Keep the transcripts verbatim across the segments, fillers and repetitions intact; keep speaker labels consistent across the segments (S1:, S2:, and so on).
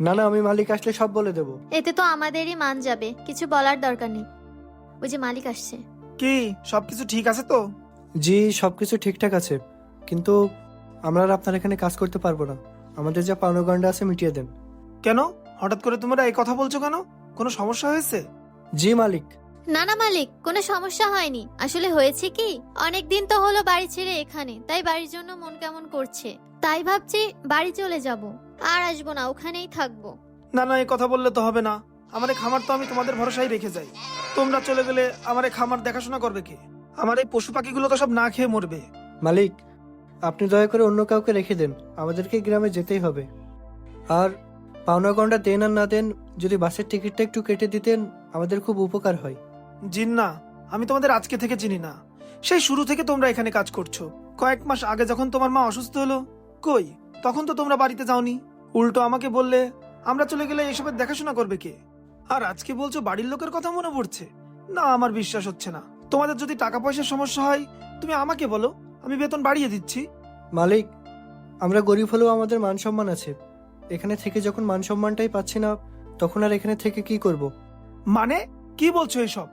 S1: না না, আমি মালিক আসলে সব বলে দেব।
S2: এতে তো আমাদেরই মান যাবে, কিছু বলার দরকার নেই। ওই যে মালিক আসছে।
S3: কি সবকিছু ঠিক আছে তো?
S1: জি, সবকিছু ঠিকঠাক আছে, কিন্তু আমরা আর আপনার এখানে কাজ করতে পারবো না। আমাদের যা পাওনাগন্ডা আছে মিটিয়ে দেন।
S3: কেন হঠাৎ করে তোমরা এই কথা বলছো কেন? কোনো সমস্যা হয়েছে?
S1: জি মালিক।
S2: না না মালিক, কোনো সমস্যা হয়নি। আসলে হয়েছে কি, অনেক দিন তো হলো বাড়ি ছেড়ে এখানে, তাই বাড়ির জন্য মন কেমন করছে, তাই ভাবছি বাড়ি চলে যাব, আর আসবো না, ওখানেই থাকবো।
S3: না না, এই কথা বললে তো হবে না। আমার এই খামার তো আমি তোমাদের ভরসায় রেখে যাই। তোমরা চলে গেলে আমার এই খামার দেখাশোনা করবে কে? আমার এই পশু পাখিগুলো তো সব না খেয়ে মরবে।
S1: মালিক, আপনি দয়া করে অন্য কাউকে রেখে দেন, আমাদেরকে গ্রামে যেতেই হবে। আর পাওনাগন্ডা দেন আর না দেন, যদি বাসের টিকিটটা একটু কেটে দিতেন আমাদের খুব উপকার হয়।
S3: জিন্না, আমি তোমাদের আজকে থেকে চিনি না, সেই শুরু থেকে তোমরা এখানে কাজ করছো। কয়েক মাস আগে যখন তোমার মা অসুস্থ হলো, কই তখন তো তোমরা বাড়িতে যাওনি। উল্টো আমাকে বললে আমরা চলে গেলে এসবের দেখাশোনা করবে কে? আর আজকে বলছো বাড়ির লোকের কথা মনে পড়ছে। না, আমার বিশ্বাস হচ্ছে না। তোমাদের যদি টাকা পয়সার সমস্যা হয় তুমি আমাকে বলো, আমি বেতন বাড়িয়ে দিচ্ছি।
S1: মালিক, আমরা গরিব হলেও আমাদের মান সম্মান আছে। এখানে থেকে যখন মান সম্মানটাই পাচ্ছি না, তখন আর এখানে থেকে কি করব?
S3: মানে কি বলছো এসব?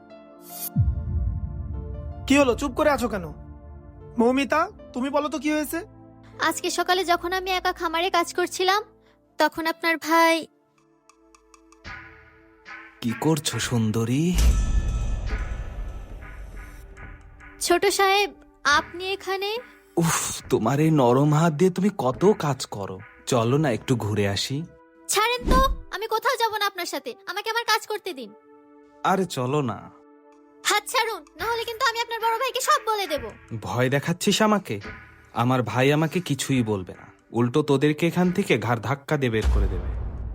S3: কি হলো, চুপ করে আছো কেন? মৌমিতা, তুমি বলো তো কি হয়েছে?
S2: আজকে সকালে যখন আমি একা খামারে কাজ করছিলাম, তখন আপনার ভাই।
S4: কি করছো সুন্দরী?
S2: ছোট সাহেব, আপনি এখানে?
S4: উফ, তোমার এই নরম হাত দিয়ে তুমি কত কাজ করো। চলো না একটু ঘুরে আসি।
S2: ছাড়েন তো, আমি কোথাও যাব না আপনার সাথে, আমাকে আমার কাজ করতে দিন।
S4: আরে চলো না।
S2: হাত ছাড়ুন, না হলে কিন্তু আমি আপনার বড় ভাইকে সব বলে দেব।
S4: ভয় দেখাচ্ছিস আমাকে? আমার ভাই আমাকে কিছুই বলবে না, উল্টো তোদেরকে এখান থেকে ঘাড় ধাক্কা দিয়ে বের করে দেবে।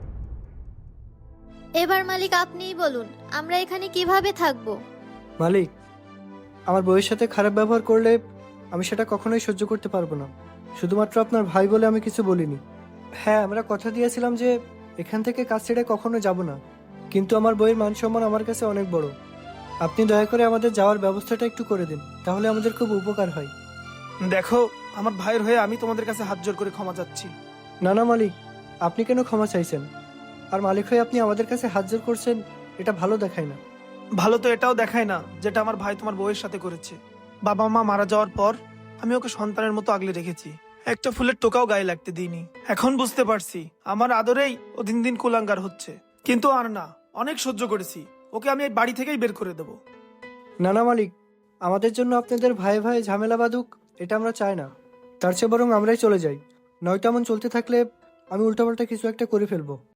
S2: এবার মালিক আপনিই বলুন, আমরা এখানে কিভাবে থাকবো?
S1: মালিক, আমার বউয়ের সাথে খারাপ ব্যবহার করলে আমি সেটা কখনোই সহ্য করতে পারবো না। শুধুমাত্র আপনার ভাই বলে আমি কিছু বলিনি। হ্যাঁ, আমরা কথা দিয়েছিলাম যে এখান থেকে কাজ ছেড়ে কখনো যাব না, কিন্তু আমার বউয়ের মান সম্মান আমার কাছে অনেক বড়। আপনি দয়া করে আমাদের যাওয়ার ব্যবস্থাটা একটু করে দিন, তাহলে আমাদের খুব উপকার হয়।
S3: দেখো, আমার ভাইয়ের হয়ে আমি তোমাদের কাছে হাত জোর করে ক্ষমা চাচ্ছি।
S1: না না মালিক, আপনি কেন ক্ষমা চাইছেন? আর মালিক হয়ে আপনি আমাদের কাছে হাত জোর করছেন, এটা ভালো দেখায় না।
S3: ভালো তো এটাও দেখায় না যেটা আমার ভাই তোমার বউয়ের সাথে করেছে। বাবা মা মারা যাওয়ার পর আমি ওকে সন্তানের মতো আগলে রেখেছি, একটা ফুলের টোকাও গায়ে লাগতে দিইনি। এখন বুঝতে পারছি আমার আদরেই ও দিন দিন কুলাঙ্গার হচ্ছে, কিন্তু আর না, অনেক সহ্য করেছি। ওকে আমি এই বাড়ি থেকেই বের করে দেবো।
S1: না না মালিক, আমাদের জন্য আপনাদের ভাই ভাই ঝামেলা বাঁধুক, এটা আমরা চাই না। তার চেয়ে বরং আমরাই চলে যাই, নয়তো এমন চলতে থাকলে আমি উল্টাপাল্টা কিছু একটা করে ফেলবো।